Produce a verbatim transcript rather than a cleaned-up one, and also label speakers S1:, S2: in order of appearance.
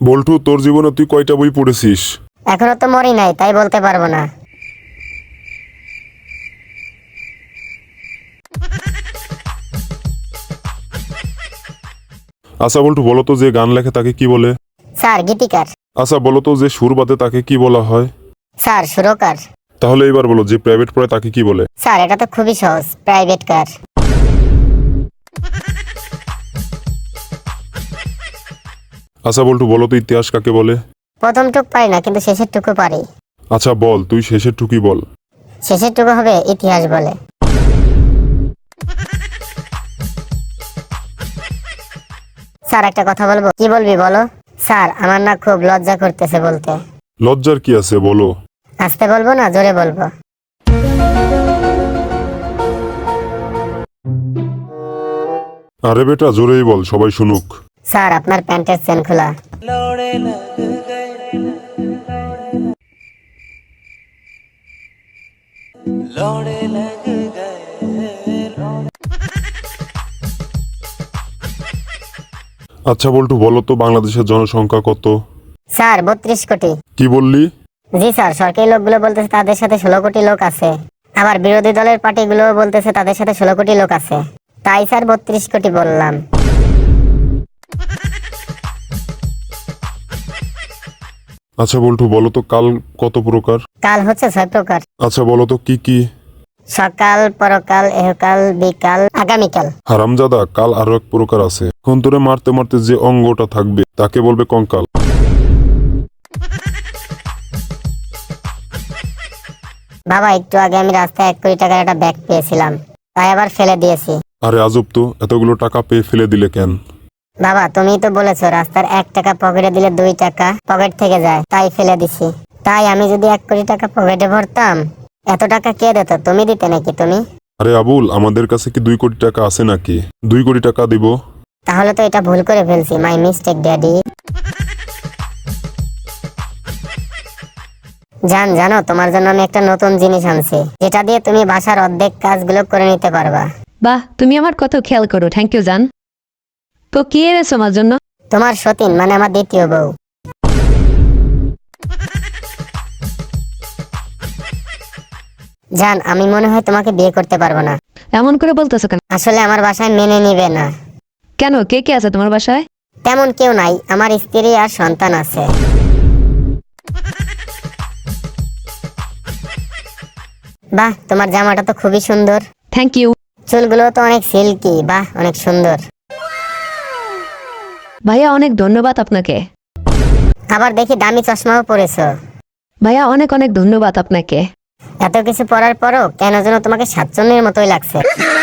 S1: বল্টু, তোর জীবনে তুই কয়টা বই পড়েছিস?
S2: এখনো তো মরি নাই, তাই বলতে পারবো না।
S1: আচ্ছা বল্টু, বলো তো যে গান লেখে তাকে কি বলে?
S2: স্যার গীতিকার।
S1: আচ্ছা বলো তো যে সুর বাঁধে তাকে কি বলা হয়?
S2: স্যার সুরকার।
S1: তাহলে এবার বলো যে প্রাইভেট পড়ে তাকে কি বলে?
S2: স্যার এটা তো খুবই সহজ, প্রাইভেট কার।
S1: আচ্ছা বল্টু, বলো তো ইতিহাস কাকে বলে?
S2: প্রথম টুক পারি না, কিন্তু শেষের টুকু পারি।
S1: আচ্ছা বল, তুই শেষের টুকি বল।
S2: শেষের টুকু হবে ইতিহাস বলে। স্যার একটা কথা বলবো। কি বলবি বলো? স্যার আমার না খুব লজ্জা করতেছে বলতে।
S1: লজ্জার কি আছে বলো?
S2: আস্তে বলবো না জোরে বলবো?
S1: আরে বেটা, জোরেই বল, সবাই শুনুক।
S2: স্যার আপনার প্যান্টের চেন খোলা।
S1: আচ্ছা বল্টু, বলো তো বাংলাদেশের জনসংখ্যা কত?
S2: স্যার বত্রিশ কোটি।
S1: কি বললি?
S2: জি স্যার, সরকারি লোকগুলো বলতেছে তাদের সাথে ষোলো কোটি লোক আছে, আবার বিরোধী দলের পার্টিগুলো বলতেছে তাদের সাথে ষোলো কোটি লোক আছে, তাই স্যার বত্রিশ কোটি বললাম।
S1: আচ্ছা বল্টু, বলো তো কাল কত প্রকার?
S2: কাল হচ্ছে ছয় প্রকার।
S1: আচ্ছা বলো তো কি কি?
S2: সকাল, পরকাল, এহকাল, বিকাল, আগামীকাল।
S1: হারামজাদা, কাল আরো এক প্রকার আছে। এখন তোরে মারতে মারতে যে অঙ্গটা থাকবে তাকে বলবে কঙ্কাল।
S2: বাবা একটু আগে আমি রাস্তায় এক কোটি টাকার একটা ব্যাগ পেয়েছিলাম, তাই আবার ফেলে দিয়েছি।
S1: আরে আজব তো, এতগুলো টাকা পেয়ে ফেলে দিলে কেন?
S2: বাবা তুমি তো বলেছো রাস্তার এক টাকা পকেটে দিলে দুই টাকা পকেট থেকে যায়, তাই ফেলে দিছি। তাই আমি যদি এক কোটি টাকা পকেটে ভরতাম, এত টাকা কে দিত? তুমি দিতে নাকি তুমি?
S1: আরে আবুল, আমাদের কাছে কি দুই কোটি টাকা আছে নাকি? দুই কোটি টাকা দিব।
S2: তাহলে তো এটা ভুল করে ফেলছি, মাই মিস্টেক ড্যাডি। জান জানো, তোমার জন্য আমি একটা নতুন জিনিস আনছি, যেটা দিয়ে তুমি বাসার অর্ধেক কাজগুলো করে নিতে পারবা।
S3: বাহ, তুমি আমার কত খেয়াল করো, থ্যাংক ইউ জান। তো কি এনেছো আমার জন্য?
S2: তোমার সতীন মানে আমার দ্বিতীয় বউ। জান আমি মনে হয় তোমাকে বিয়ে করতে পারবো না।
S3: এমন করে বলতেছো কেন?
S2: আসলে আমার বাসায় মেনে নিবে না।
S3: কেন, কে কে আছে তোমার বাসায়?
S2: তেমন কেউ নাই, আমার স্ত্রী আর সন্তান আছে। বাহ, তোমার জামাটা তো খুবই সুন্দর।
S3: Thank you.
S2: চুলগুলো তো অনেক সিল্কি, বাহ অনেক সুন্দর।
S3: ভাইয়া অনেক ধন্যবাদ আপনাকে।
S2: আবার দেখি দামি চশমাও পরেছো।
S3: ভাইয়া অনেক অনেক ধন্যবাদ আপনাকে।
S2: এত কিছু পরার পরও কেন যেন তোমাকে সাতচন্নের মতোই লাগছে।